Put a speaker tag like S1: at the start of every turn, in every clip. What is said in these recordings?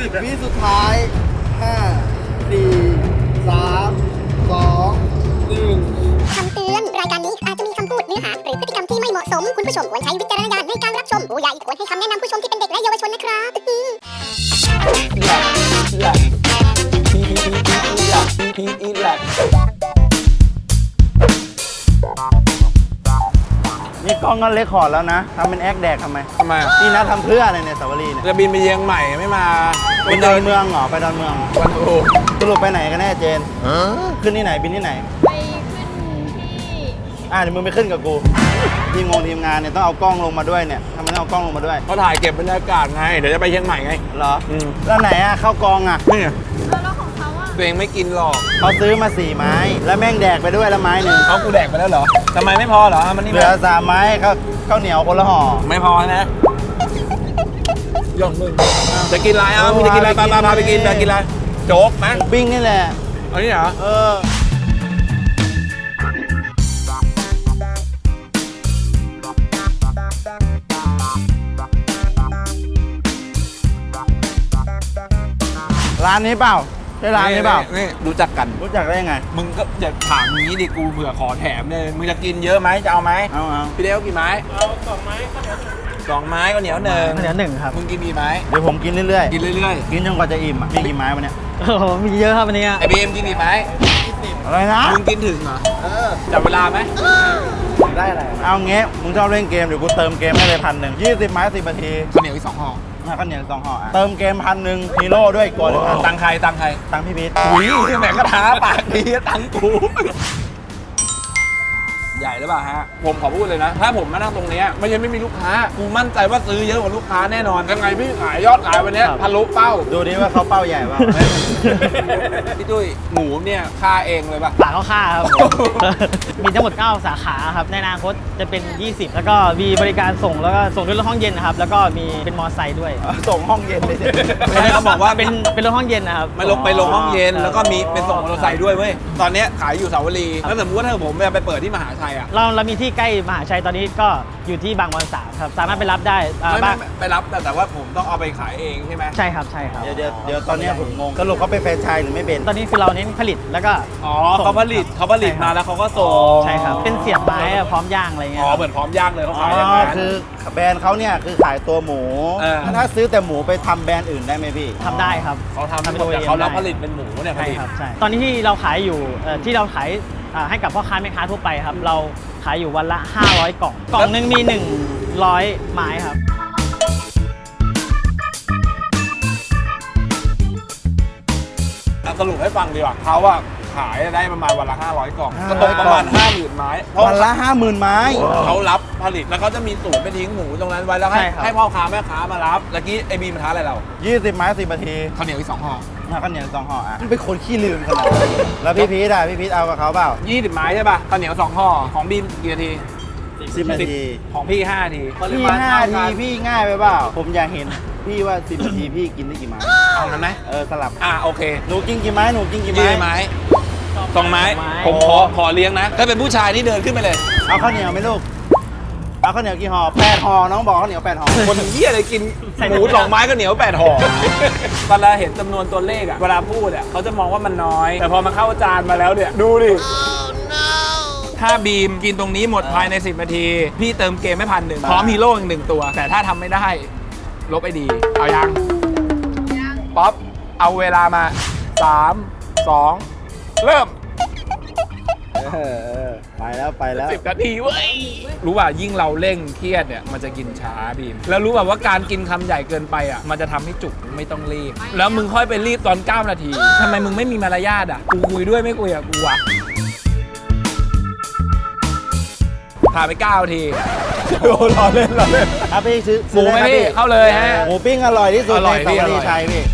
S1: 10 วิสุดท้าย 5 4 3 2 1
S2: คำเตือน รายการนี้อาจจะมีคำพูดเนื้อหาหรือพฤติกรรมที่ไม่เหมาะสม คุณผู้ชมควรใช้วิจารณญาณในการรับชม ผู้ใหญ่ควรให้คำแนะนำผู้ชมที่เป็นเด็กและเยาวชนนะครับ
S1: นี่กล้องก็เลคคอร์ดแล้วนะทำเป็นแอคแดกทำไม
S3: ทำไม
S1: นี่นะทำเพื่ออะไรเนี่ยสาวรีเนี่ย
S3: จะบินไปเชียงใหม่ไม่มา
S1: ไปดอนเมืองเหรอไปดอนเมือง
S3: วันโอ้
S1: สรุปไปไหนกันแน่เจนขึ้นที่ไหนบินที่ไหน
S4: ไปขึ้นที่
S1: เดี๋ยวมึงไปขึ้นกับกูทีมงานเนี่ยต้องเอากล้องลงมาด้วยเนี่ยทำไมต้องเอากล้องลงมาด้วย
S3: เขาถ่ายเก็บบรรยากาศไง เดี๋ยวจะไปเชียงใหม่ไง
S1: เหรอ
S3: อืม
S1: แล้วไหนอะเข้ากองอะ
S3: นี่
S4: แล้วของเขาอะ
S3: ตัวเองไม่กินหรอก
S1: เขาซื้อมา4 ไม้ แล้วแม่งแดกไปด้วยแล้วไม้หนึ่ง
S3: เขากูแดกไปแล้วเหรอทำไมไม่พอเหรอมันนี่
S1: เหลือ3 ไม้ข้าวเหนียวคนละห่อ
S3: ไม่พอนะยอมมึงจะกินอะไรมึงจะกินอะไรพาไปกินอะไรโจ๊กไหม
S1: หมูปิ้งนี่แหละ
S3: เอานี่เหรอ
S1: ร้านนี้เปล่าใช่ร้านนี้เปล่า
S3: นี่รู้จักกัน
S1: รู้จักได้ยังไง
S3: มึงก็อย่าถามอย่างนี้ดิกูเผื่อขอแถมเลยมึงจะกินเยอะไหมจะเอาไหม
S1: เอา
S3: พี่เดวกี่ไม้เอา2 ไม้ข้าวเหนียว2 ไม้ข้าวเหนียว1
S5: ข้าวเหนียวหนึ่งครับ
S3: มึงกินกี่ไม้
S1: เดี๋ยวผมกินเรื่อย
S3: กินเรื่อย
S1: ๆกินจนกว่าจะอิ่มอะมีกี่ไม้วะเนี่ย
S5: โอ้โหมีเยอะครับวันนี้
S3: ๆไอบีเอ็มกินกี่ไม้
S1: อะไรนะ
S3: มึงกินถึงเหรอจับเวลาไหม
S1: ได้อะไรเอาเงี้ยมึงชอบเล่นเกมเดี๋ยวกูเติมเกมให้เลย1,000 20 ไม้ 10 นาที
S3: ข้าวเหนียวอีก2 ห่อ
S1: ข้าวเหนียว2 ห่ออะเติมเกม1,000ฮีโร่ด้วยอีกตัวหนึงอะ
S3: ตังค์ใคร
S1: ตังค์พี่พีท
S3: อุ้ยแหมกระทาปากดีตังค์กูใหญ่หรือเปล่าฮะผมขอพูดเลยนะ ถ้าผมมานั่งตรงเนี้ยไม่ใช่ไม่มีลูกค้ากูมั่นใจว่าซื้อเยอะกว่าลูกค้าแน่นอนยังไงพี่ขายยอดขายวันเนี้ยทะลุเป้า
S1: ดูดิว่าเขาเป้าใหญ่เปล่า
S3: พี่ตุ้ยหมูเนี่ยฆ่าเองเลยป่ะ
S5: ปากเข้าค่าครับ มีทั้งหมด 9 สาขาครับ ในอนาคตจะเป็น 20 แล้วก็มีบริการส่งแล้วก็ส่งด้วยรถห้องเย็นนะครับ แล้วก็มีเป็นมอไซค์ด้วย
S1: ส่งห้องเย็นเลยเนี่ย
S3: ไม่ได้เขาบอกว่า
S5: เป็นรถห้องเย็นนะครับ
S3: ไปลงห้องเย็นแล้วก็มีเป็นส่งมอเตอร์ไซค์ด้วยเว้ยตอนเนี้ยขายอยู่สาวรีแล้วสมมติว่าถ้าผมไปเปิดที่มหาชัยอ่ะ
S5: เรามีที่ใกล้มหาชัยตอนนี้ก็อยู่ที่บางบอน3ครับ สามารถไปรับได้
S3: ไม่
S5: บ้าง
S3: ไปรับแต่ว่าผมต้องเอาไปขายเองใช่ไหม
S5: ใช่ครับใช่ครับ
S1: เดี๋ยวตอนเนี้ยผมงงสรุปเขาเป็นแฟรนไชส์หรือไม่เป็น
S5: ตอนนี้คือเราเน้นผลิตแล้วก็
S3: อ๋อเขาผลิตมาแล้วเขาก็ส่ง
S5: ใช่ครับ เป็นเสียบไม้อะพร้อมย่างอะไรเงี้
S3: อ๋
S5: ย
S3: อเหมือนพร้อมย่างเลยเขา
S1: อ๋อ
S3: ขายอย่างนั้น
S1: คือแบรนด์เขาเนี่ยคือขายตัวหมู ถ้าซื้อแต่หมูไปทำแบรนด์อื่นได้ไหมพี่
S5: ทำได้ครับ
S3: เขาทำ
S5: เป็น
S3: แต่
S5: OEM
S3: เขารับ
S5: ได้
S3: ผลิตเป็นหมูเนี่ยผ
S5: ใช่
S3: ลิต
S5: ครับใช่ตอนนี้ที่เราขายอยู่ที่เราขายให้กับพ่อค้าแม่ค้าทั่วไปครับ เราขายอยู่วันละ 500 กล่อง กล่องหนึงมี 100 ไม้ครับ
S3: สรุปให้ฟังดีกว่าเขาอะขายได้ประมาณวันละ500 กล่องก็
S1: 500
S3: ตกประมาณ 50,000 ไม้เพราะ
S1: วันละ 50,000 ไม้
S3: เขารับผลิตแล้วเขาจะมีศูนย์ไปทิ้งหมูตรงนั้นไว้แล้ว
S5: ใช่ครับ
S3: ให้พ่อค้าแม่ค้ามารับเมื่อกี้ไอบีมันท้าอะไรเรา
S1: 20 ไม้ 10 นาที
S3: ข้าวเหนียวอีก2 ห่อ
S1: ข้าวเหนียว2 ห่ออ่ะเป็นคนขี้ลืมขนาดนั้นแล้วพี่พีทอ่ะพี่พีทเอากับเขาเปล่า
S3: 20 ไม้ใช่ป่ะข้าวเหนียว2 ห่อของบีมกี่นาที
S1: 10 นาที
S3: ของพี่5 นาที
S1: พี่5 นาทีพี่ง่ายไปเปล่าผมอยากเห็นพี่ว่า 10 นาทีพี่กินได้กี่ไม้
S3: เอานั้นไหม
S1: สลับ
S3: โอเค
S1: หนูกินกี่ไม้หนูกินกี่
S3: ยี่
S1: ไม้
S3: ไม้2 ไม้
S5: ไม้
S3: ผมขอเลี้ยงนะ ถ้าเป็นผู้ชายที่เดินขึ้นไปเลย
S1: เอาข้าวเหนียวไหมลูกเอาข้าวเหนียวกี่ห่อ8 ห่อน้องบอกข้าวเหนียว8 ห่อ
S3: คนเยี่ยอะไรกินหมู2 ไม้ก็เหนียว8 ห่อเวลาเห็นจำนวนตัวเลขอะเวลาพูดอะเขาจะมองว่ามันน้อย แต่พอมาเข้าจานมาแล้วเนี่ยดูดิถ้าบีมกินตรงนี้หมดภายใน10 นาที พี่เติมเกมไม่1,000พร้อมฮีโร่อีก1 ตัว แต่ถ้าทำไม่ได้ลบไอดีเอายังป๊อปเอาเวลามา 3 2 เริ่ม
S1: ไปแล้ว
S3: 10 นาทีเว้ยรู้ป่ะยิ่งเราเร่งเครียดเนี่ยมันจะกินช้าบีมแล้วรู้ป่ะว่าการกินคำใหญ่เกินไปอ่ะมันจะทำให้จุกไม่ต้องรีบแล้วมึงค่อยไปรีบตอน9 นาทีทำไมมึงไม่มีมารยาทอ่ะกูคุยด้วยไม่คุยกับกูอ่ะผ่านไป9 นาทีโอ้รอเล่น
S1: ครับพี่ซื้อ
S3: หมูไหม
S1: ด้ครับ
S3: พี่เข้าเลยฮะ
S1: หมูปิ้งอร่อยที่สุด
S3: อร่อย
S1: ใน
S3: พี่
S1: สาว
S3: อร่
S1: รี
S3: อย
S1: ชัยพี่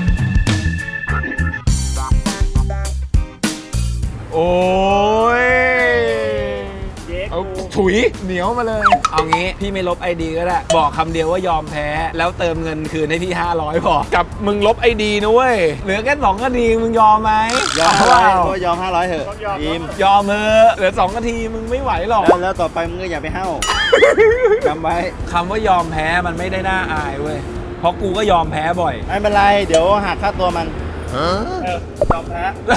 S3: โอ้ยเอาถุยเหนียวมาเลย เอางี้พี่ไม่ลบไอดีก็ได้บอกคำเดียวว่ายอมแพ้แล้วเติมเงินคืนให้พี่500พอกับมึงลบไอดีนะเว้ยเหลือแค่2 นาทีมึงยอมไหม
S1: ยอม
S3: เป
S1: 500
S3: ล่า
S1: ก็ยอม500เถอะยิ้ม
S3: ยอมเถอะเหลือ2 นาทีมึงไม่ไหวหรอก
S1: แล้วต่อไปมึงก็อย่าไปเห้าจำไว้
S3: คำว่ายอมแพ้มันไม่ได้น่าอายเว้ยเพราะกูก็ยอมแพ้บ่อย
S1: ไม่เป็นไร เดี๋ยวหักค่าตัวมัน
S3: ยอมแพ้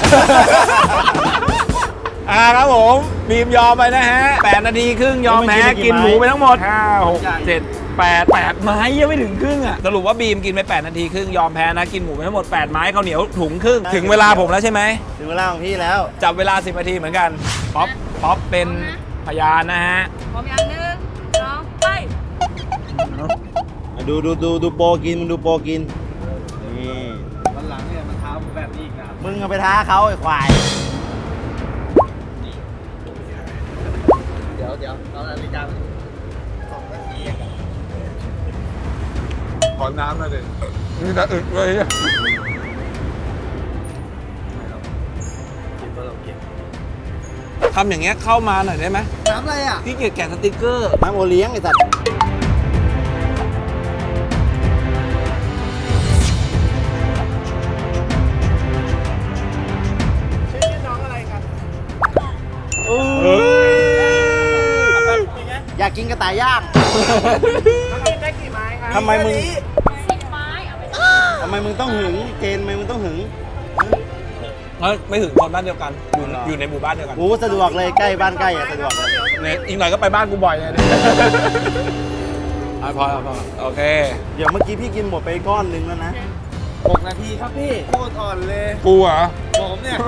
S3: ครับผมบีมยอมไปนะฮะ8 นาทีครึ่งยอมแพ้กินหมูไปทั้งหมด5 6 7 8ไม้ยังไม่ถึงครึ่งอ่ะสรุปว่าบีมกินไป8 นาทีครึ่งยอมแพ้นะกินหมูไปทั้งหมด8 ไม้ข้าวเหนียวถุงครึ่งถึงเวลาผมแล้วใช่ไหม
S1: ถึงเวลาของพี่แล้ว
S3: จับเวลา10 นาทีเหมือนกันป๊อปเป็นพยานนะฮะ
S4: พร้อมยัง1 2 ไป
S1: ดูโปรกินมึงดูโปรกินนี่
S3: วันหลังเนี่ยมันท้าผมแบบนี้อีกนะ
S1: มึงเอาไปท้าเขาไอ้ควาย
S3: เดี๋ยวเอานาฬิกา2 นาทีขอน้ำหน่อยดินี่จะอึดเลยทำอย่างเงี้ยเข้ามาหน่อยได้ไหม
S1: น้ำอะไรอ่ะ
S3: พี่เกียจแกะสติกเกอร์
S1: น้ำโอเลี้ยงไอ้สัตว์ อยากกินกระต่ายย่างทำไมมึง
S4: 10 ไม้เอาไป
S1: ทำไมมึงต้องหึง เจนทำไมมึงต้องหึง
S3: ไม่ถึงคนบ้านเดียวกันอยู่ในหมู่บ้านเดียวกัน
S1: โอ้สะดวกเลยใกล้บ้านใกล้อะสะดวกเลย
S3: เนี่ยอีกหน่อยก็ไปบ้านกูบ่อยเลยพอโอเค
S1: เดี๋ยวเมื่อกี้พี่กินหมดไปก้อนนึงแล้วนะ
S3: 6 นาทีครับพี่โคตรอ่อนเลยกูเหรอผมเนี่ย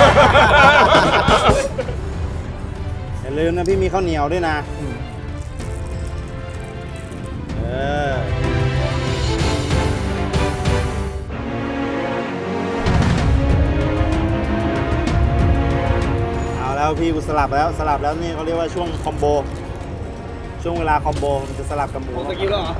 S1: อย่าลืมนะพี่มีข้าวเหนียวด้วยนะ เอาแล้วพี่กูสลับแล้วนี่เขาเรียกว่าช่วงคอมโบ ช่วงเวลาคอมโบมันจะสลับกับหมู
S3: สกิลแล้วเหรอ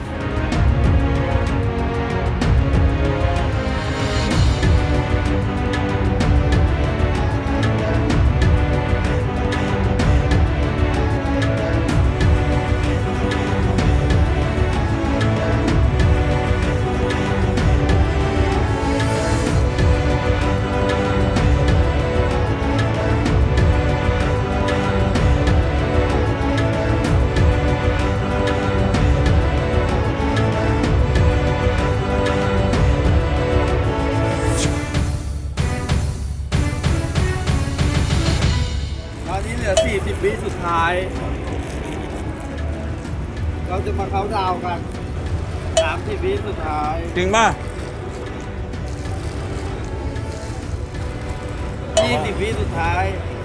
S1: ตอนนี้เหลือ40 วิสุดท้าย เราจะมาเค้าน์ดาวน์กัน30 วิสุดท้าย
S3: จริงป่ะ
S1: 20 วิสุดท้าย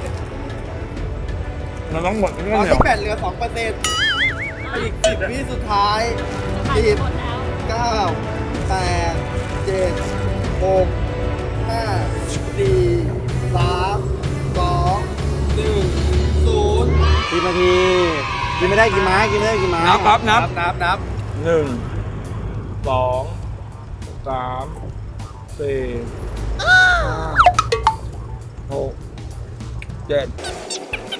S3: มันต้องหมดที่
S1: ต
S3: ข้า
S1: อ
S3: วน เหนียว
S1: ที่แบตเหลือ 2%อีก 10 วิสุดท้าย 10
S4: หมดแล้ว
S1: 9 8 7 6 5 4 3 2 1 0 10 นาที กินไม่ได้กี่ไม้กินไม่ได้กี่ไม้
S3: นับครับนับ
S1: นับ
S3: 1 2 3 4 5 6 7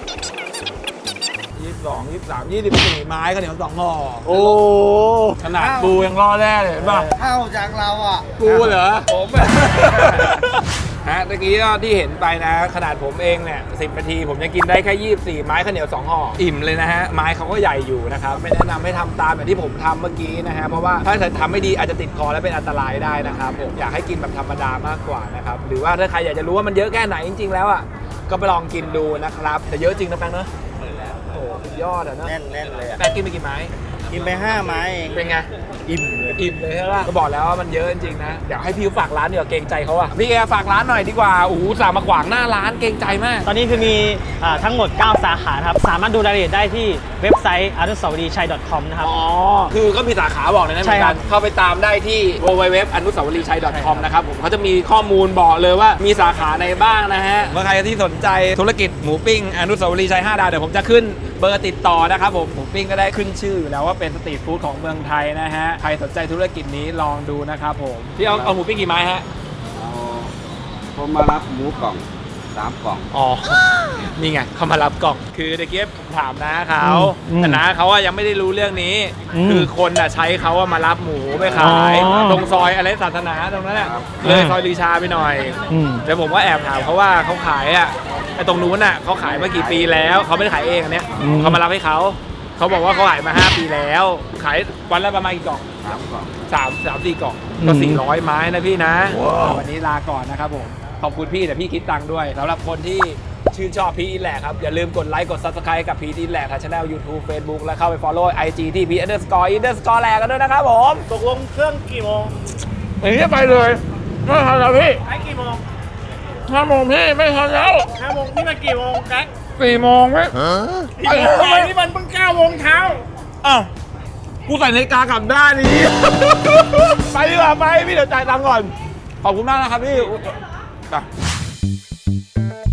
S3: 22 23 24 ไม้ข้าวเหนียว2 ห่อ
S1: โอ้
S3: ขนาดกูยังรอดแน่เลยเห็นป่ะ
S1: เท่าจากเราอ่ะ
S3: กูเหรอ ผมฮะตะกี้ก็ที่เห็นไปนะ ขนาดผมเองเนี่ย10 นาทีผมยังกินได้แค่24 ไม้ข้าวเหนียว2 ห่อ อิ่มเลยนะฮะ ไม้เขาก็ใหญ่อยู่นะครับ ไม่แนะนำให้ทำตามแบบที่ผมทำเมื่อกี้นะฮะ เพราะว่าถ้าทำไม่ดีอาจจะติดคอและเป็นอันตรายได้นะครับผมอยากให้กินแบบธรรมดามากกว่านะครับ หรือว่าถ้าใครอยากจะรู้ว่ามันเยอะแค่ไหนจริงๆแล้วอ่ะ ก็ไปลองกินดูนะครับ แต่เยอะจริงนะแป้งเนอะโอ้โหสุดยอดอ่ะเนอะ
S1: แน่นเลยอ่ะ
S3: แป้งกินไปกี่ไม้
S1: กินไป 5 ไม้เอง
S3: เป็นไง
S1: อิ่มเลย
S3: อิ่มเลยใช่ป่ะก็บอกแล้วว่ามันเยอะจริงๆนะเดี๋ยวให้พี่ฝากร้านเดี๋ยวาเกรงใจเขาอะพี่แกฝากร้านหน่อยดีกว่าโอ้โหสามมาขวางหน้าร้านเกรงใจมาก
S5: ตอนนี้คือมีทั้งหมด 9 สาขาครับ สามารถดูรายละเอียดได้ที่เว็บไซต์อนุสาวรีย์ชัย .com นะครับ
S3: อ๋อคือก็มีสาขาบอกเลยนะ
S5: ใช่ครับ
S3: เหมือนกันเข้าไปตามได้ที่ www อนุสาวรีย์ชัย .com นะครับผมเขาจะมีข้อมูลบอกเลยว่ามีสาขาในบ้างนะฮะเมื่อใครที่สนใจธุรกิจหมูปิ้งอนุสาวรีย์ชัย5 ดาวเดี๋ยวผมจะขึ้นเบอร์ติดต่อนะครับผมหมูปิ้งก็ได้ขึ้นชื่ออยู่แล้วว่าเป็นสตรีทฟู้ดของเมืองไทยนะฮะใครสนใจธุรกิจนี้ลองดูนะครับผมพี่เอาหมูปิ้งกี่ไม้ฮะ
S6: ผมมารับหมูกล่อง 3 กล่อง
S3: อ๋อ นี่ไงเขามารับกล่อง คือเด็กเก็บผมถามนะเขา
S5: อืม
S3: แต่นะเขาอะยังไม่ได้รู้เรื่องนี้
S5: อืม
S3: คือคนอะใช้เขาอะมารับหมูไปขาย
S5: อ๋อ
S3: ตรงซอยอะไรศาสนาตรงนั้นแหละ
S6: ครับ
S3: เลยซอยลือชาไปหน่อย
S5: อืม
S3: แล้วผมก็แอบถามเขาว่าเขาขายอะไอ้ตรงนู้นอะเขาขายมากี่ปีแล้วเขาไม่ได้ขายเองอันเนี้ย
S5: อืม
S3: เขามารับให้เขาบอกว่าเขาขายมา 5 ปีแล้ว ขายวันละประมาณกี่กล่อง
S6: 3 กล่อง
S3: 4 กล่องก็400 ไม้นะพี่นะ วันนี้ลาก่อนนะครับผม ขอบคุณพี่แต่พี่คิดตังค์ด้วยสำหรับคนที่ชื่นชอบพีทอินแหละครับ อย่าลืมกดไลค์กด Subscribe กับพีทอินแหละทางช่อง YouTube Facebook และเข้าไป Follow IG ที่พีท___ แหลกกันด้วยนะครับผม
S5: ตกลงเครื่องกี่โมง
S3: อย่างนี้ไปเลยไม่ทันแล้วพี่
S5: ใช้กี่โมง
S3: 5 โมงพี่ไม่ทันแล้ว
S5: 5 โมงนี่มันกี่โมงแก๊ก
S3: 4 โมงพี่
S5: นี่มันเพิ่ง9 โมงเช้า
S3: อ้าวกูใส่นาฬิกากลับด้านนี้ ไปดีกว่าไปพี่เดี๋ยวจ่ายตังค์ก่อน ขอบคุณมากนะครับพี่อุ๊ยไป